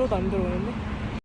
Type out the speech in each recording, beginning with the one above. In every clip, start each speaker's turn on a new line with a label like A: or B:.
A: 하나도 안 들어오는데?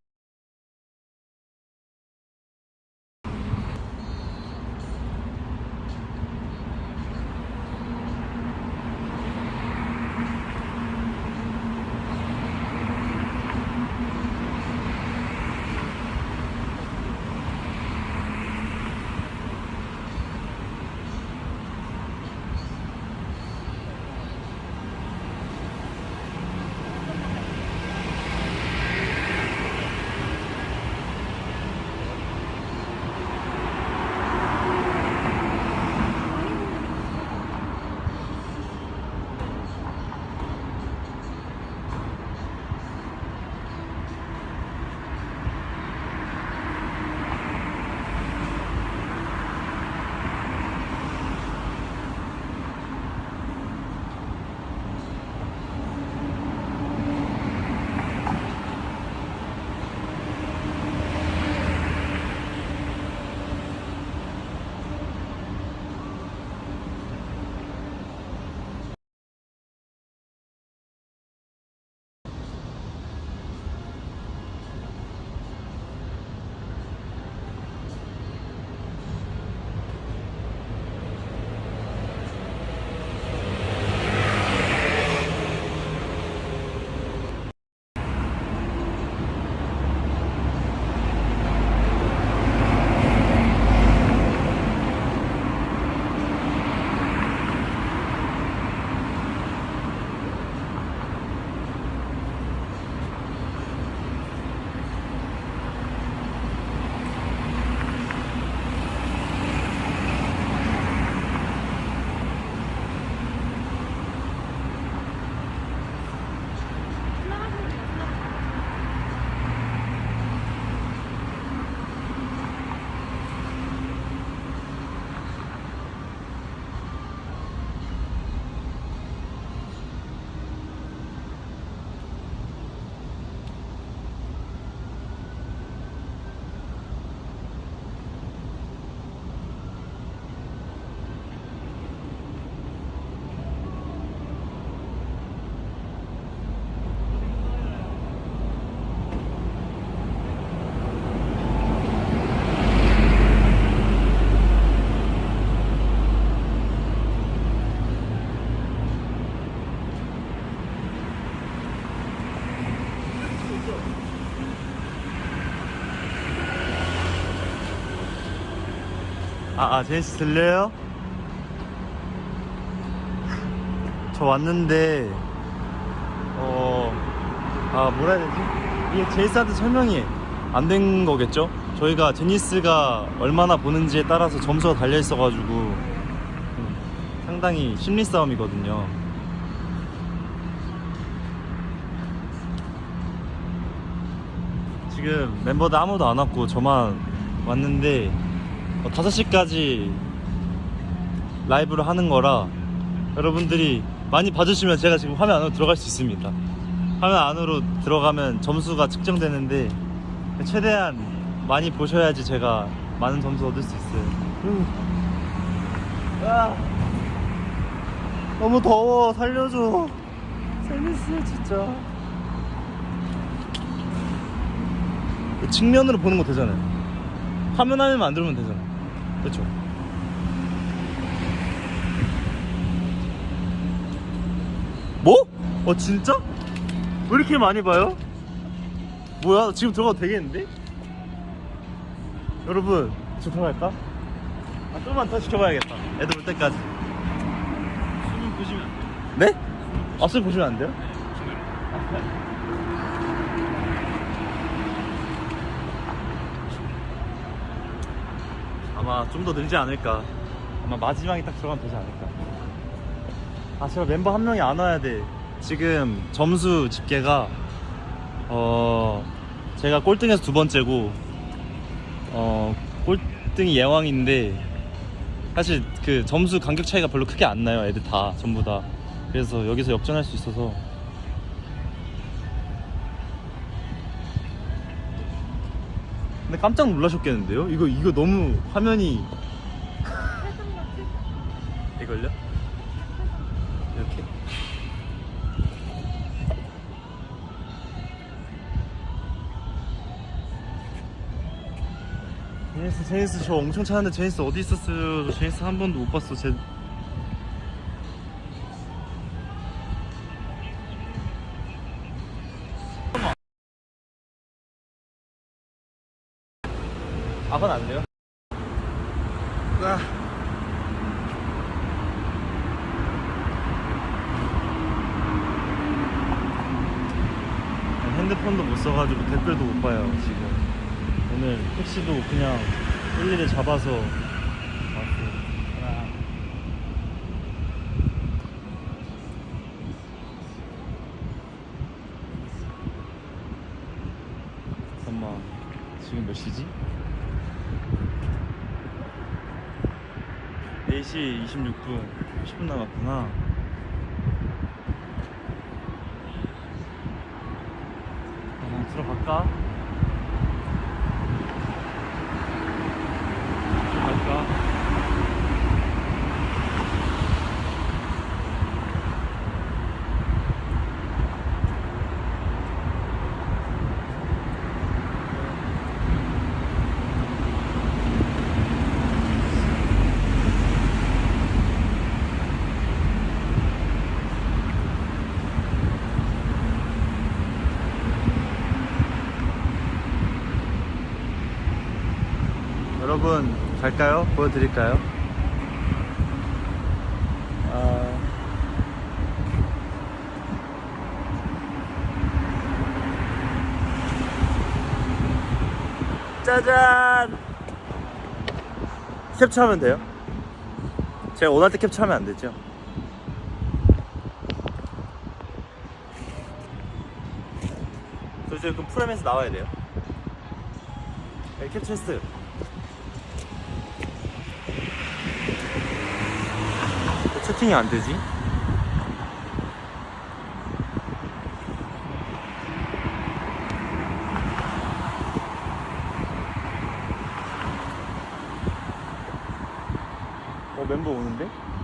B: 제니씨 들려요? 저 왔는데 뭐라 해야 되지? 이게 제니스한테 설명이 안 된 거겠죠? 저희가 제니스가 얼마나 보는지에 따라서 점수가 달려 있어가지고 상당히 심리 싸움이거든요. 지금 멤버들 아무도 안 왔고 저만 왔는데 5시까지 라이브를 하는 거라 여러분들이 많이 봐주시면 제가 지금 화면 안으로 들어갈 수 있습니다. 화면 안으로 들어가면 점수가 측정되는데 최대한 많이 보셔야지 제가 많은 점수 얻을 수 있어요. 너무 더워. 살려줘. 재밌어 진짜. 측면으로 보는 거 되잖아요. 화면 화면 안 들으면 되잖아. 그렇죠? 뭐? 진짜? 왜 이렇게 많이 봐요? 뭐야? 지금 들어가도 되겠는데? 여러분, 지금 들어갈까? 좀만 더 지켜봐야겠다. 애들 올 때까지.
C: 수능 보시면 안 돼요.
B: 네? 수능 보시면 안 돼요? 아마 좀 더 늘지 않을까. 아마 마지막에 딱 들어가면 되지 않을까. 제가 멤버 한 명이 안 와야 돼. 지금 점수 집계가 제가 꼴등에서 2번째고 꼴등이 예왕인데 사실 그 점수 간격 차이가 별로 크게 안 나요. 애들 다 전부 다. 그래서 여기서 역전할 수 있어서. 근데 깜짝 놀라셨겠는데요? 이거 너무 화면이 이걸요? 이렇게? 제니스 저 엄청 찾았는데 제니스 어디 있었어요? 저 제니스 한 번도 못 봤어. 그건 안 돼요? 핸드폰도 못 써가지고 댓글도 못 봐요 지금. 오늘 택시도 그냥 일일이 잡아서 왔어요. 잠깐만, 지금 몇 시지? 4시 26분. 10분 남았구나. 들어갈까? 여러분 갈까요? 보여드릴까요? 짜잔! 캡처하면 돼요? 제가 원할 때 캡처하면 안 되죠? 저 이제 그럼 프레임에서 나와야 돼요. 네, 캡처했어요. 왜 채팅이 안 되지? 멤버 오는데?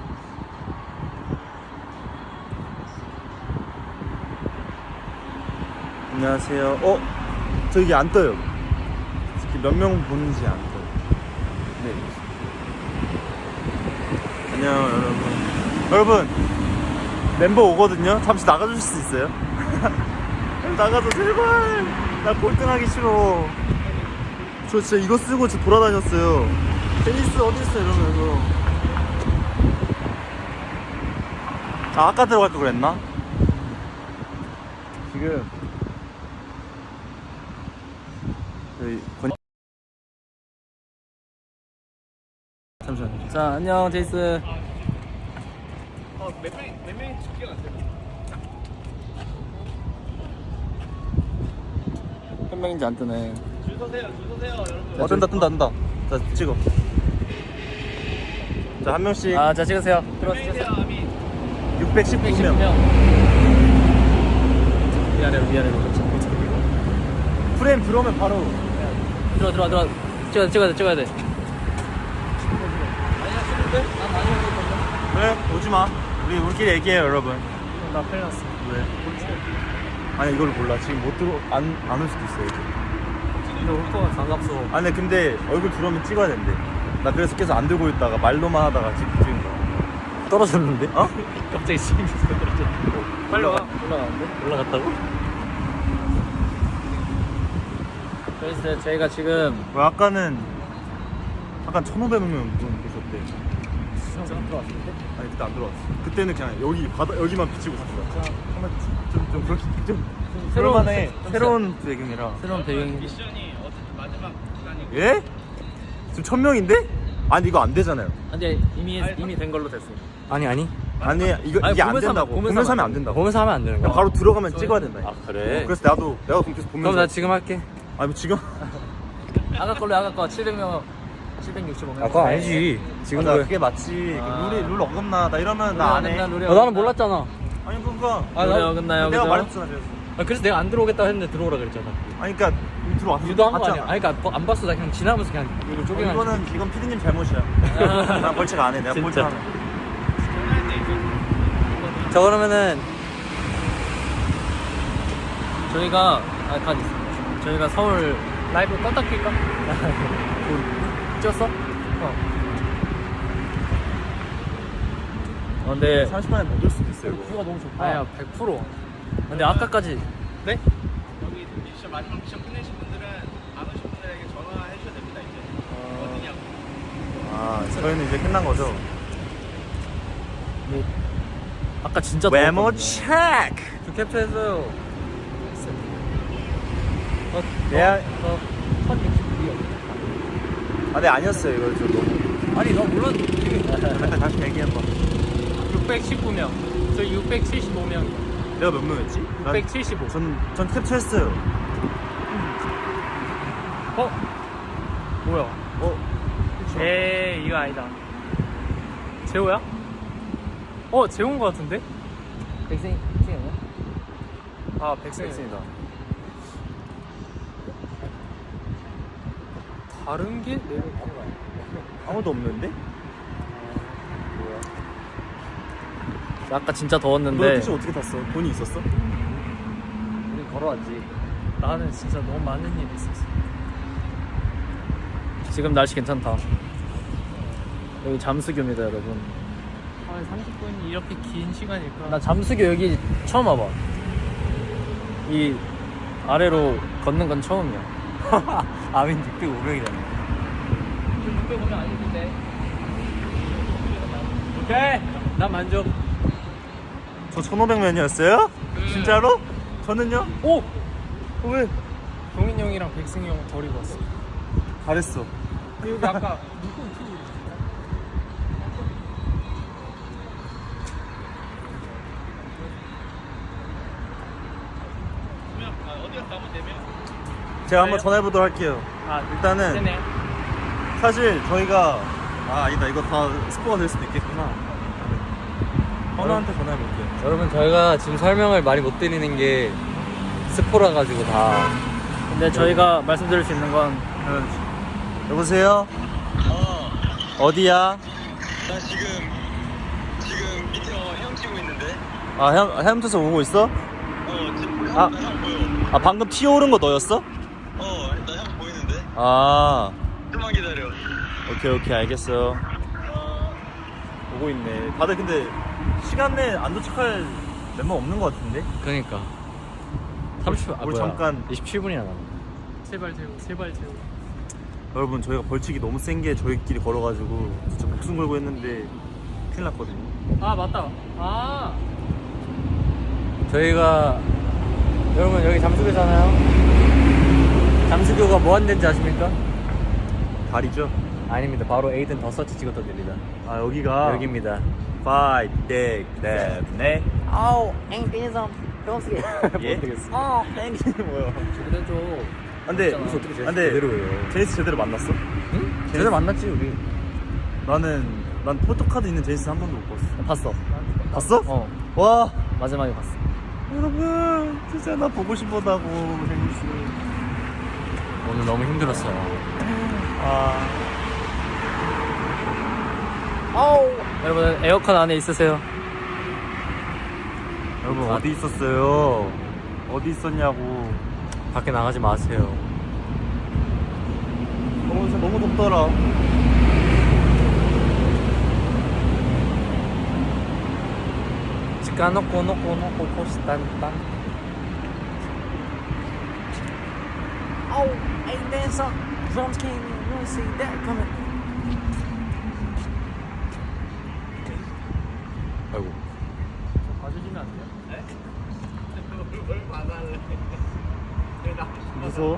B: 안녕하세요. 저 이게 안 떠요. 몇 명 보는지 안 떠요. 네. 안녕 여러분. 멤버 오거든요. 잠시 나가주실 수 있어요? 나가서 제발. 나 골등하기 싫어. 저 진짜 이거 쓰고 저 돌아다녔어요. 테니스 어디 있어 이러면서. 아까 들어갈 걸 그랬나? 지금 저희 잠시만요.
A: 자, 안녕 제이스.
C: 몇 명이 집계가 안 돼요?
A: 몇 명인지 안 뜨네.
C: 줄 서세요, 여러분.
B: 뜬다. 자, 찍어. 자, 한 명씩.
A: 아, 자 찍으세요.
C: 들어주세요, 아미.
B: 619명.
A: 위아래로.
B: 프레임 들어오면 바로.
A: 들어. 찍어야 돼.
B: 그래, 오지 마. 우리끼리 얘기해요, 여러분.
A: 나 큰일 났어.
B: 왜? 아니, 이걸 몰라. 지금 못 들어, 안 올 수도 있어요.
A: 근데 올 거가 반갑소.
B: 아니, 근데 얼굴 들어오면 찍어야 된대. 나 그래서 계속 안 들고 있다가 말로만 하다가 찍은 거야.
A: 떨어졌는데?
B: 어?
A: 갑자기 스윙에서 떨어졌어.
C: 빨리 와.
A: 올라가는데? 올라갔다고? 그래서 저희가 지금
B: 왜 아까는 1,500명 계셨대.
A: 진짜 들어왔는데?
B: 아니 그때 안 들어왔어. 그때는 그냥 여기만 비치고 있었어. 좀 그렇게 좀 그럴만해. 새로운 배경이라.
A: 새로운 배경이.
C: 미션이 어쨌든 마지막 시간이고.
B: 예? 지금 1,000명인데? 아니 이거 안 되잖아요.
A: 근데 이미 된 걸로 됐어. 아니.
B: 아니 이게 안 된다고. 보면서 하면 안 된다고.
A: 보면서 하면 안 되는 거야.
B: 그냥 바로 들어가면 찍어야 된다.
A: 아 그래?
B: 그래서 내가 그럼 계속 보면서.
A: 그럼 나 지금 할게.
B: 아니 뭐 지금?
A: 아까 거 700명 765명.
D: 아, 그거 아니지.
B: 지금
D: 지금
B: 그게 맞지.
A: 아.
B: 룰 어긋나. 나 이러면 나 안 해.
D: 나는 몰랐잖아.
B: 아니 그러니까.
A: 룰이 어긋나요.
B: 내가
A: 그죠?
B: 말했잖아. 그래서.
A: 그래서 내가 안 들어오겠다고 했는데 들어오라 그랬잖아.
B: 아니 그러니까 들어왔어.
A: 유도한 거
B: 봤잖아.
A: 아니야? 아니 그러니까 안 봤어. 나 그냥 지나면서 그냥 이거 쪼개가지고.
B: 이건 피디님 잘못이야. 난 벌칙 안 해. 내가
A: 진짜.
B: 벌칙 안 해.
D: 자, 그러면은
A: 저희가 저희가 서울 라이브 껐다 킬까? 찍었어? 근데
B: 30만에 못 올 수도 있어요. 이거.
A: 뷰가 너무 좋다. 아야 100%. 근데 아까까지 네?
C: 여기 미션 마지막 미션 끝내신 분들은 안 오신 분들에게 전화해 주셔야 됩니다 이제. 어디냐고.
B: 아, 저희는 이제 끝난 거죠?
A: 뭐 아까 진짜
B: 외모
A: 더웠거든요.
B: 체크.
A: 저 캡처했어요.
B: 네.
A: 1169이요.
B: 아, 네, 아니었어요. 이거 저 너무.
A: 아니 나 몰랐는데.
B: 잠깐 다시 얘기해봐.
E: 619명. 저희 675명이요.
B: 내가 몇 명이었지?
E: 675.
B: 전 캡처했어요.
E: 뭐야?
B: 어?
E: 에이, 이거 아니다. 재호야? 재호인 것 같은데?
A: 백승이 아니야?
E: 아, 백승이.
B: 캡처입니다.
E: 다른 게?
B: 아무도 없는데?
A: 아까 진짜
B: 너
A: 더웠는데
B: 택시 어떻게 탔어? 돈이 있었어?
A: 우리 걸어왔지.
E: 나는 진짜 너무 많은 일이 있었어.
A: 지금 날씨 괜찮다. 여기 잠수교입니다, 여러분.
E: 아, 30분이 이렇게 긴 시간일까?
A: 나 잠수교 여기 처음 와봐. 이 아래로 걷는 건 처음이야. 아민 605명이라네.
E: 600오면 아니던데. 오케이! 난 만족.
B: 저 1,500명이었어요? 진짜로? 저는요?
E: 오!
B: 왜?
E: 동인 형이랑 백승이 형 버리고 왔어.
B: 잘했어.
E: 여기 아까 물고기 튀기.
C: 어디 갔다 오면 되면.
B: 제가 한번 전화해보도록 할게요.
E: 아,
B: 일단은
E: 되네.
B: 사실 저희가 아니다, 이거 다 스포가 될 수도 있겠구나. 현우한테 전화해볼게요.
D: 여러분 저희가 지금 설명을 많이 못 드리는 게 스포라 가지고 다.
A: 근데 저희가 말씀드릴 수 있는 건
B: 여보세요? 어디야?
F: 나 지금 밑에 형 치고 있는데.
B: 아, 헤엄쳐서 오고 있어?
F: 지금
B: 아.
F: 나형 보여.
B: 아, 방금 튀어오른 거 너였어?
F: 나 형 보이는데.
B: 아,
F: 좀만 기다려.
B: 오케이, 알겠어. 오고 있네. 다들 근데 시간 내에 안 도착할 멤버 없는 것 같은데?
A: 그러니까 30분
B: 우리 잠깐
A: 27분이나 남았네.
E: 제발 재호, 제발 재호.
B: 여러분, 저희가 벌칙이 너무 센 게 저희끼리 걸어가지고 진짜 목숨 걸고 했는데 큰일 났거든요.
E: 아, 맞다. 아,
D: 저희가 여러분 여기 잠수교잖아요. 잠수교가 뭐 하는 데인지 아십니까?
B: 다리죠?
D: 아닙니다. 바로 에이든 더 서치 찍었던 데입니다.
B: 아, 여기가
D: 여기입니다.
B: 5, 6, 7, 8.
D: 아우 앵피니섬 병쓰게.
B: 예?
D: 아
B: 땡기는 뭐야?
A: 그래도
B: 근데
A: 그래서 어떻게 제니스
B: 제대로예요. 제니스 제대로 만났어?
A: 응? 제대로 만났지 우리.
B: 난 포토카드 있는 제니스 한 번도 못 봤어.
A: 봤어.
B: 봤어? 와,
A: 마지막에 봤어.
B: 여러분, 진짜 나 보고 싶었다고 제니스.
A: 오늘 너무 힘들었어요.
B: 아,
A: 여러분 에어컨 안에 있으세요.
B: 여러분 어디 있었어요? 어디 있었냐고.
A: 밖에 나가지 마세요.
B: 진짜 너무 덥더라.
A: 치카노코 노코 노코 포스탄탄. 아우 ain't there some drums king you see that coming. 아이고.
E: 봐주시면 안 돼요?
C: 뭘 받아래.
B: 무서워?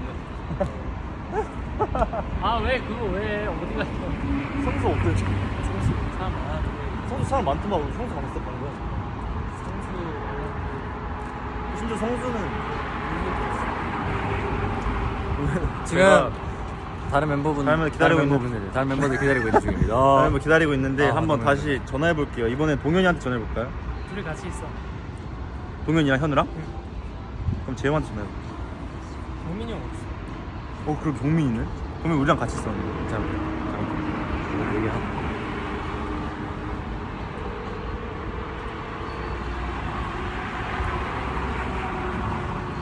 E: 아, 왜 그거 왜 어디 갔어?
B: 성수 어때?
E: 성수 사람 많아도
B: 성수 사람 많더만. 우리 성수 가봤어 방금.
E: 성수
B: 심지어 성수는
A: 지금
B: 제가
A: 다른 멤버분
B: 다른 멤버 기다리고 있는
A: 멤버분들 다른 멤버들 기다리고 있는 중입니다.
B: 다른 분 기다리고 있는데
A: 아,
B: 한번
A: 그러면-
B: 다시 전화해볼게요. 이번엔 동현이한테 전화해볼까요?
E: 둘이 같이 있어.
B: 동현이랑 현우랑? 그럼 재영한테 전화해볼게요.
E: 경민이 형 없어.
B: 그럼 경민이는? 그러면 우리랑 같이 있었는데.
A: 잠깐 얘기하고.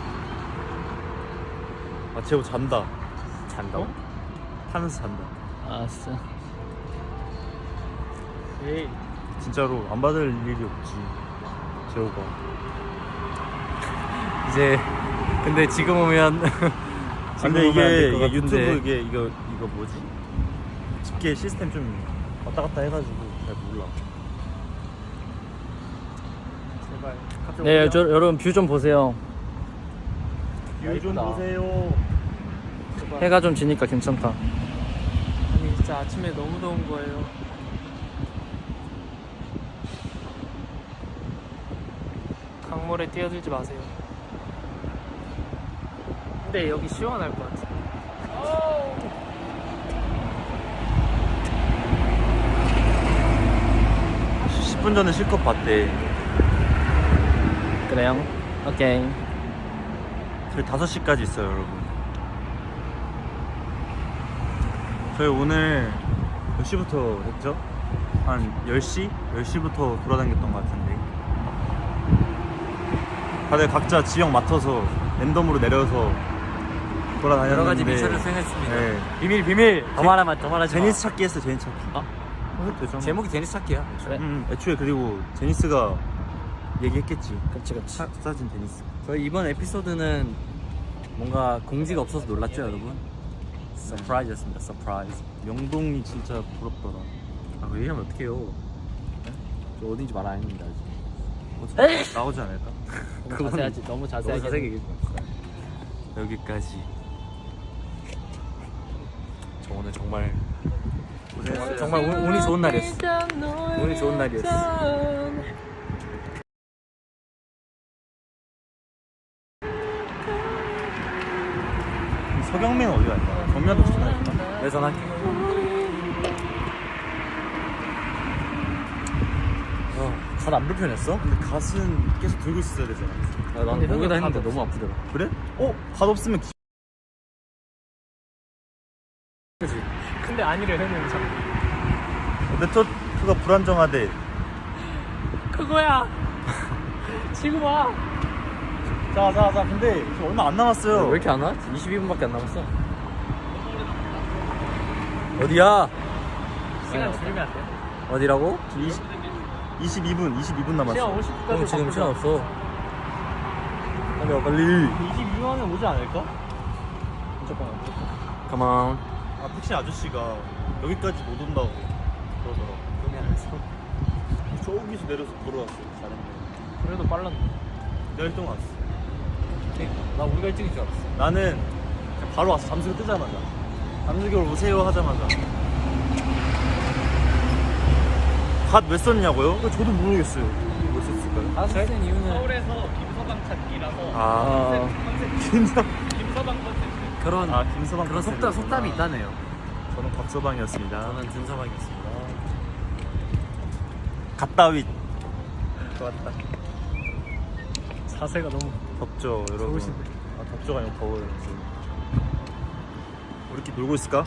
B: 아, 재호 잔다.
A: 잔다고?
B: 타면서 잔다.
A: 아 아싸.
E: 에이
B: 진짜로 안 받을 일이 없지 재호가.
A: 이제 근데 지금 오면
B: 근데 이게
A: 같은데.
B: 유튜브 이거 뭐지? 집계 시스템 좀 왔다 갔다 해가지고 잘 몰라.
E: 제발
A: 네, 여러분 뷰 좀 보세요.
B: 뷰 좀
A: 예쁘다.
B: 보세요.
A: 해가 좀 지니까 괜찮다.
E: 아니 진짜 아침에 너무 더운 거예요. 강물에 뛰어들지 마세요. 근데 여기 시원할 것 같아.
B: 10분 전에 실컷 봤대.
A: 그래요? 오케이.
B: 저희 5시까지 있어요, 여러분. 저희 오늘 몇 시부터 했죠? 한 10시? 10시부터 돌아다녔던 것 같은데. 다들 각자 지역 맡아서 랜덤으로 내려서 돌아다녔는데
D: 여러 가지 미션을 수행했습니다.
B: 네.
A: 비밀. 더 말하지 마.
B: 제니스 찾기 했어, 제니스 찾기.
A: 아?
B: 해도 되죠.
D: 제목이 제니스 찾기야.
A: 그래.
B: 애초에 그리고 제니스가 얘기했겠지.
A: 그치.
B: 사진 제니스.
D: 저희 이번 에피소드는 뭔가 공지가 없어서 놀랐죠, 여러분? 서프라이즈였습니다. 서프라이즈.
B: 명동이 진짜 부럽더라.
D: 아, 그 얘기하면 어떡해요? 저 어딘지 말 안 했는데 아직.
B: 나오지 않을까?
A: 너무 자세하지. 너무 자세하게.
D: 너무 자세하게 얘기해.
B: 여기까지.
D: 저 오늘 정말
B: 고생했어요.
D: 정말 운이 좋은 날이었어. 운이 좋은 날이었어.
B: 서경민은 어디 갈까? 정면도 전화할까?
D: 내 전화할게. 갓안 불편했어?
B: 근데 갓은 계속 들고 있어야 되잖아.
D: 난
A: 근데
D: 목에다
A: 형은
D: 했는데
A: 갓
D: 너무 아프더라.
B: 그래? 갓 없으면
E: 근데 아니를 해놓은 참.
B: 네트워크가 불안정하대.
E: 그거야. 지금 와.
B: 자, 근데 지금 얼마 안 남았어요.
D: 왜 이렇게 안 와? 22분밖에 안 남았어. 어디야?
E: 시간 줄이면 안 돼?
D: 어디라고?
B: 22분 남았어.
E: 시간 50분까지.
D: 형 지금 시간 없어.
B: 빨리 와, 빨리.
E: 22만에 오지 않을까?
D: Come on.
B: 아, 택시 아저씨가 여기까지 못 온다고 그러더라고. 저기서 내려서 걸어왔어. 잘했네.
E: 그래도 빨랐네.
B: 내가 1등 왔어.
D: 나 우리가 일찍인 줄 알았어.
B: 나는 그냥 바로 왔어. 잠수교 뜨자마자. 잠수교 오세요 하자마자. 갓 왜 썼냐고요? 저도 모르겠어요. 왜 썼을까요?
E: 아, 저희는 이유는 서울에서 김서방 찾기라서.
B: 아, 김서방.
E: 김서방 컨텐츠.
D: 그런
B: 김서방.
D: 그런 속담이 있다네요.
B: 저는 곽서방이었습니다.
D: 저는 준서방이었습니다.
B: 갓다윗. 좋았다.
E: 자세가 너무
B: 덥죠, 여러분.
E: 좋으신데.
B: 아, 덥죠가 아니고 더워요. 지금. 우리끼리 놀고 있을까?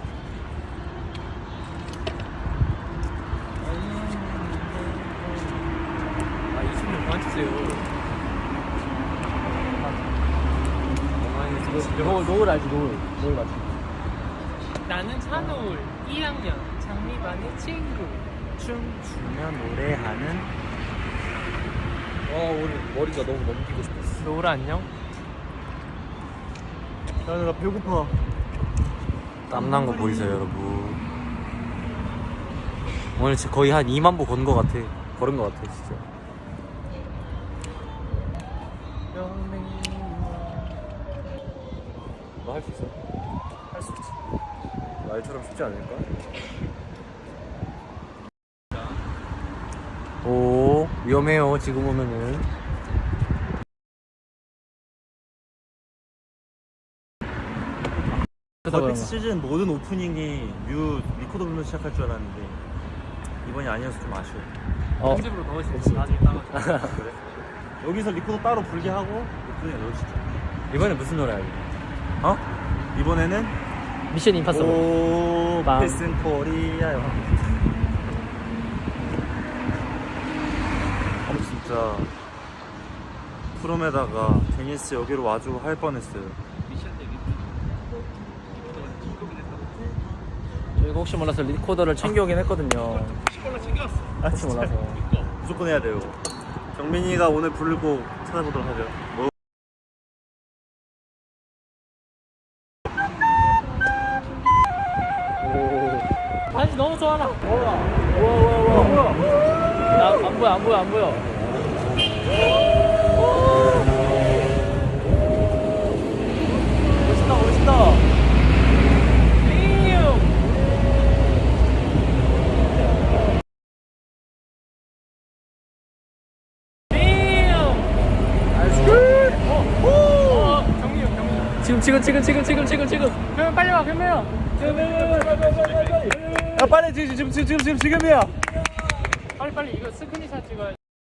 E: 아, 20년 그만 치세요.
A: 노을 알지? 노을 맞지?
E: 나는 찬우울 2학년 장미반의 친구.
B: 춤추며 노래하는.
D: 오늘 머리가 너무 넘기고 싶었어.
E: 노을 안녕.
B: 나 배고파.
D: 땀난 거 보이세요, 여러분? 오늘 진짜 거의 한 2만 보 걸은 거 같아. 진짜. 너 할 수 있어?
E: 할 수 있지.
D: 말처럼 쉽지 않을까? 오, 위험해요. 지금 오면은.
B: 벌픽스 시즌 모든 오프닝이 리코더 불면서 시작할 줄 알았는데 이번이 아니어서 좀 아쉬워.
E: 편집으로 넣으시면 나중에 따가지고.
B: 그래? 여기서 리코더 따로 불게 하고 오프닝에 넣으시죠.
D: 이번에 무슨 노래 알고?
B: 어? 이번에는
A: 미션 임파서블.
B: 오
A: 빵.
B: 패슨 코리아요. 진짜 프롬에다가 데니스 여기로 와주고 할 뻔했어요.
C: 미션 때문에
A: 저희가 혹시 몰라서 리코더를 챙겨오긴 했거든요.
C: 혹시 몰라 챙겨왔어.
A: 혹시 몰라서.
B: 무조건 해야 돼요. 경민이가 오늘 부를 곡 찾아보도록 하죠. 뭐?
A: 반지 너무 좋아라. 우와. 안 보여. 멋있다. 지금. 그러면 빨리 와, 그러면.
B: 야 빨리 지금이야.
E: 빨리 이거 스크린샷 찍어야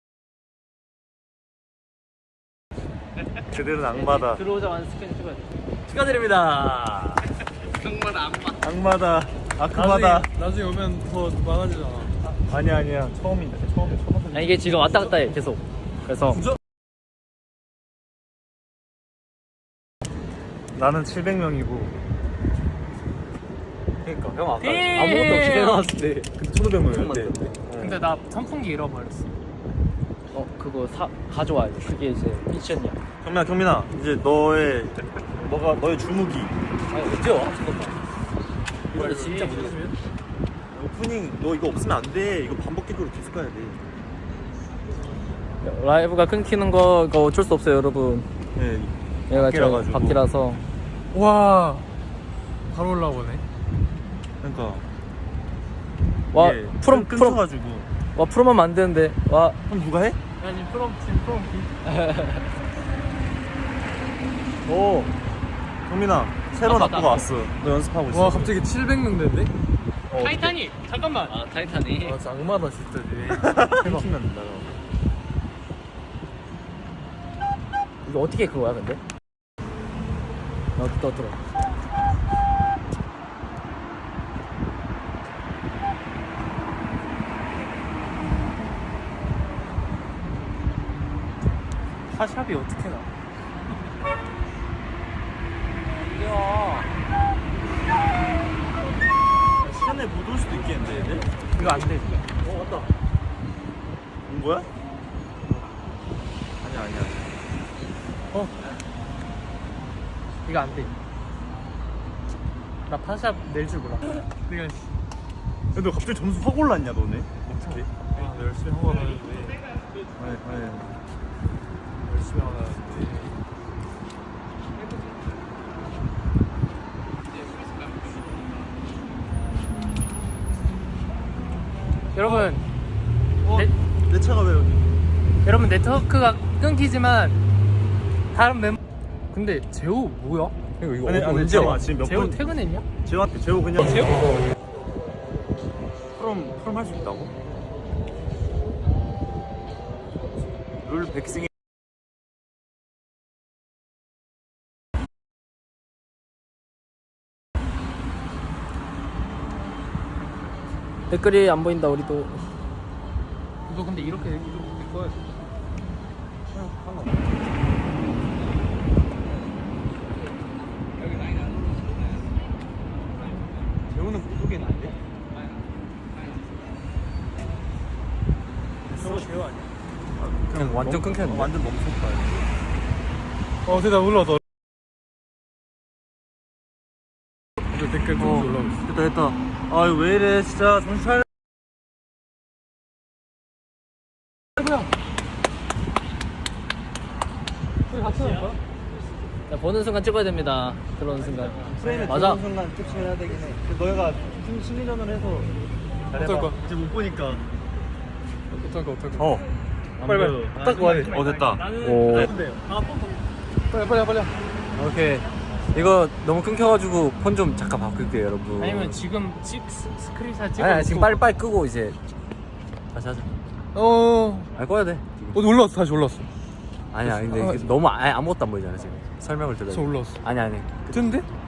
B: 그들은 악마다.
A: 들어오자마자 스캔 찍어야 돼.
D: 축하드립니다.
B: 악마다. 악마다.
E: 나중에 오면 더 많아지잖아.
B: 아니야. 처음인데. 처음.
A: 아니, 이게 지금 왔다 갔다 해, 계속. 그래서.
B: 나는 700명이고.
D: 그러니까 형 아까
A: 예!
D: 아무것도 없이 내려왔을 때
B: 근데 1,500명이었대.
E: 근데 나 선풍기 잃어버렸어.
A: 그거 가져와야 돼. 그게 이제 미션이야.
B: 경민아 이제 너의 주무기.
D: 아니 언제 와? 잠깐만. 이거 진짜 못 했으면?
B: 오프닝 너 이거 없으면 안 돼. 이거 반복적으로 계속 가야 돼.
A: 라이브가 끊기는 거가 어쩔 수 없어요, 여러분.
B: 네.
A: 얘가
B: 바퀴라가지고.
A: 바퀴라서.
E: 와, 바로 올라오네.
B: 그러니까
A: 와,
B: 이게
A: 프롬.
B: 끊겨가지고.
A: 와, 프롬하면 안 되는데. 와.
B: 그럼 누가 해?
E: 아니 프롬피.
A: 오.
B: 경민아 새로 납부가 왔어. 너 연습하고 있어.
E: 와 갑자기 700명 됐네?
A: 타이타닉! 잠깐만. 아, 타이타닉.
E: 아 장마다 진짜.
B: 끊기면 나가.
A: 이거 어떻게 그거야, 근데? 또 들어.
E: 샤샵이 어떻게 나?
B: 시간에 못 올 수도 있겠는데 얘들?
E: 이거 안 돼.
B: 왔다. 온 거야? 아니야.
E: 이거 안 돼. 나 파샵 낼 줄 몰라. 내가
B: 근데 갑자기 점수 확 올랐냐 너네? 어떻게?
E: 열심히 하고 가는데.
B: 아니.
E: 열심히 하고 가는데. 여러분,
B: 내 차가 왜 여기?
E: 여러분 네트워크가 끊기지만 다른 멤버. 근데 재호 뭐야?
D: 이거
B: 아니,
D: 언제 와?
B: 지금 몇
E: 재호
B: 분?
E: 퇴근했냐?
B: 재호 그냥
E: 재호?
B: 프롬 할 수 있다고? 룰 백승이
A: 댓글이 안 보인다, 우리도.
E: 너 근데 이렇게 될 거야.
B: 재호는 무속인 안 돼?
E: 재호 아니야?
D: 그냥 완전 끊겼네.
B: 완전 너무 속다.
E: 대답 올라왔다. 댓글 좀 올라오고 있어.
B: 됐다. 아 이거 왜 이래 진짜 정신 차려.
A: 자, 보는 순간 찍어야 됩니다. 들어오는 순간.
B: 프레임에
A: 맞아.
B: 들어오는 순간 캡처해야 되긴 해. 너희가 심리전을 해서
E: 어떨 거야?
B: 이제 못 보니까.
E: 어떨 거?
B: 빨리.
E: 딱 와야 돼.
B: 됐다.
A: 오.
E: 빨리.
D: 오케이. 이거 너무 끊겨가지고 폰 좀 잠깐 바꿀게요, 여러분.
E: 아니면 지금 스크린샷 찍어.
D: 아니 지금 빨리 끄고 이제 다시 하자. 아니 꺼야 돼. 지금.
E: 올라왔어. 다시 올라왔어.
D: 아니야 근데 이게 너무 아무것도 안 보이잖아 지금. 설명을 들어야 돼.
E: 올라왔어.
D: 아니.
E: 됐는데?